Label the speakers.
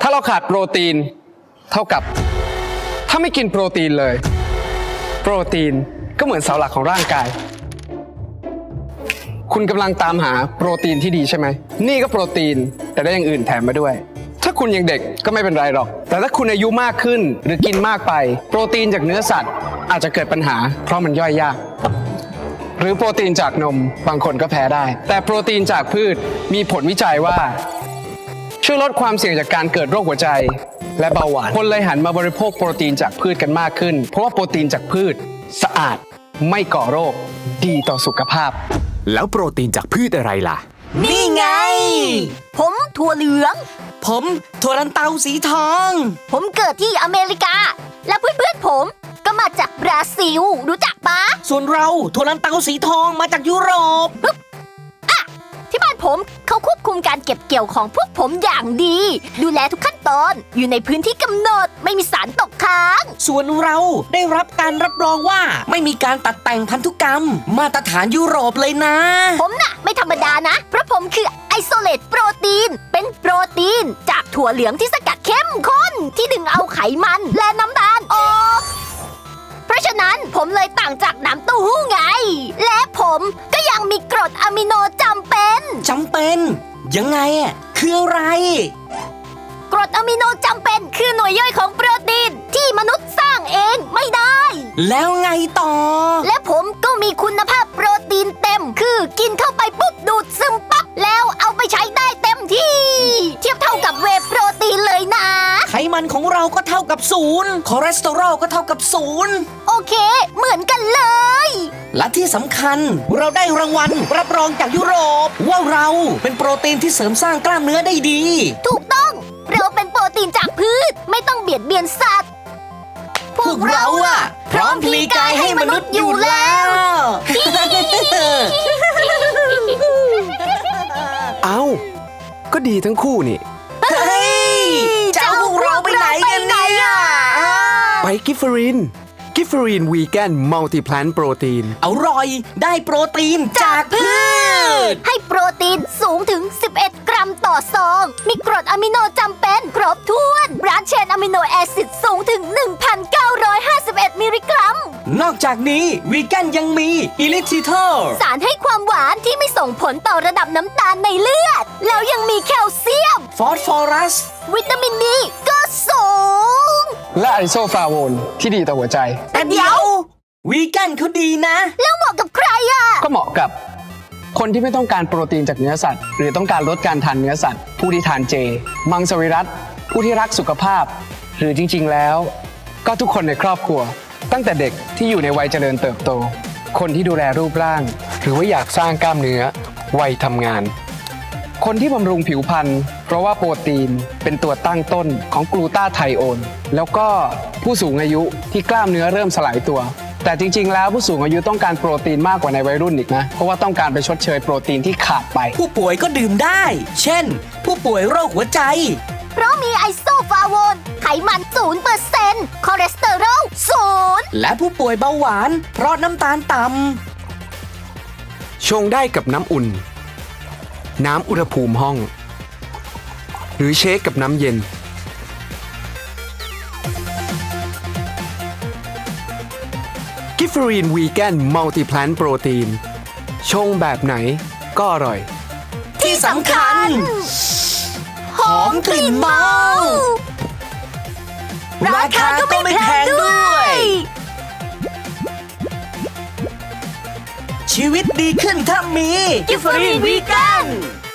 Speaker 1: าเราขาดโปรตีนเท่ากับถ้าไม่กินโปรตีนเลยโปรตีนก็เหมือนเสาหลักของร่างกายคุณกำลังตามหาโปรตีนที่ดีใช่ไหมนี่ก็โปรตีนแต่ได้อย่างอื่นแถมมาด้วยถ้าคุณยังเด็กก็ไม่เป็นไรหรอกแต่ถ้าคุณอายุมากขึ้นหรือกินมากไปโปรตีนจากเนื้อสัตว์อาจจะเกิดปัญหาเพราะมันย่อยยากหรือโปรตีนจากนมบางคนก็แพ้ได้แต่โปรตีนจากพืชมีผลวิจัยว่าช่วยลดความเสี่ยงจากการเกิดโรคหัวใจและเบาหวานคนเลยหันมาบริโภคโปรตีนจากพืชกันมากขึ้นเพราะว่าโปรตีนจากพืชสะอาดไม่ก่อโรคดีต่อสุขภาพ
Speaker 2: แล้วโปรตีนจากพืชอะไรล่ะ
Speaker 3: นี่ไงผมถั่วเหลือง
Speaker 4: ผมถั่วลันเตาสีทอง
Speaker 3: ผมเกิดที่อเมริกาและเพื่อนๆผมก็มาจากบราซิลรู้จักปะ
Speaker 4: ส่วนเราถั่วลันเตาสีทองมาจากยุโรป
Speaker 3: ที่บ้านผมเขาควบคุมการเก็บเกี่ยวของพวกผมอย่างดีดูแลทุกขั้นตอนอยู่ในพื้นที่กำหนดไม่มีสารตกค้าง
Speaker 4: ส่วนเราได้รับการรับรองว่าไม่มีการตัดแต่งพันธุกรรมมาตรฐานยุโรปเลยนะ
Speaker 3: ผมน่ะไม่ธรรมดานะเพราะผมคือไอโซเลตโปรตีนเป็นโปรตีนจากถั่วเหลืองที่สกัดเข้มข้นที่ดึงเอาไขมันและน้ำตาลออกเพราะฉะนั้นผมเลยต่างจากน้ำเต้าหู้ไงและผมก็ยังมีกรดอะมิโนจำเป็น
Speaker 4: ยังไงอ่ะคืออะไร
Speaker 3: กรดอะมิโนจำเป็นคือหน่วยย่อยของโปรตีนที่มนุษย์สร้างเองไม่ได้
Speaker 4: แล้วไงต่อ
Speaker 3: และผมก็มีคุณภาพโปรตีนเต็มคือกินเข้าไปปุ๊บดูดซึมปั๊บแล้วเอาไปใช้ได้เต็มที่เทียบเท่ากับเวย์โปรตีนเลยนะ
Speaker 4: ไขมันของเราก็เท่ากับ0คอเลสเตอรอลก็เท่ากับ0
Speaker 3: โอเคเหมือนกันเลย
Speaker 4: และที่สำคัญเราได้รางวัลรับรองจากยุโรปว่าเราเป็นโปรตีนที่เสริมสร้างกล้ามเนื้อได้ดี
Speaker 3: ถูกต้องเราเป็นโปรตีนจากพืชไม่ต้องเบียดเบียนสัตว์
Speaker 4: พวกเราอะพร้อมพลีกายให้มนุษย์อยู่แล้ว
Speaker 1: เอ้าก็ดีทั้งคู่นี่
Speaker 4: เฮ้ยจะเอาพวกเราไปไหนกันเนี่ย
Speaker 1: ไปกิฟเฟอรีนวีแกนมัลติแพลนโปรตีน
Speaker 4: อร่อยได้โปรตีนจากพืช
Speaker 3: ให้โปรตีนสูงถึง11 กรัมต่อซองมีกรดอะมิโนจำเป็นครบถ้วนบรานช์เชนอะมิโนแอซิดสูงถึง 1,951 มิลลิกรัม
Speaker 4: นอกจากนี้วีแกนยังมีอิลิทิเทอร์
Speaker 3: สารให้ความหวานที่ไม่ส่งผลต่อระดับน้ำตาลในเลือดแล้วยังมีแคลเซียม
Speaker 4: ฟอสฟอรัส
Speaker 3: วิตามินดีก็สูง
Speaker 1: และไอโซฟลาโวนที่ดีต่อหัวใจ
Speaker 4: แต่เดี๋ยววีแกนเขาดีนะ
Speaker 3: แล้วเหมาะกับใครอ่ะ
Speaker 1: ก็เหมาะกับคนที่ไม่ต้องการโปรตีนจากเนื้อสัตว์หรือต้องการลดการทานเนื้อสัตว์ผู้ที่ทานเจมังสวิรัติผู้ที่รักสุขภาพหรือจริงๆแล้วก็ทุกคนในครอบครัวตั้งแต่เด็กที่อยู่ในวัยเจริญเติบโตคนที่ดูแลรูปร่างหรือว่าอยากสร้างกล้ามเนื้อวัยทำงานคนที่บำรุงผิวพรรณเพราะว่าโปรตีนเป็นตัวตั้งต้นของกลูตาไทโอนแล้วก็ผู้สูงอายุที่กล้ามเนื้อเริ่มสลายตัวแต่จริงๆแล้วผู้สูงอายุต้องการโปรตีนมากกว่าในวัยรุ่นอีกนะเพราะว่าต้องการไปชดเชยโปรตีนที่ขาดไป
Speaker 4: ผู้ป่วยก็ดื่มได้เช่นผู้ป่วยโรคหัวใจ
Speaker 3: เพราะมีไอโซฟลาโวนไขมัน 0% คอเลสเตอรอล 0
Speaker 4: และผู้ป่วยเบาหวานเพราะน้ำตาลต่ำ
Speaker 1: ชงได้กับน้ำอุ่นน้ำอุณหภูมิห้องหรือเชคกับน้ำเย็นกิฟเฟอรีนวีแกนมัลติแพลนโปรตีนชงแบบไหนก็อร่อย
Speaker 4: ที่สำคัญหอมกลิ่นเมาราคาก็ไม่แพงด้วยชีวิตดีขึ้นถ้ามีกิฟเฟอรีนวีแกน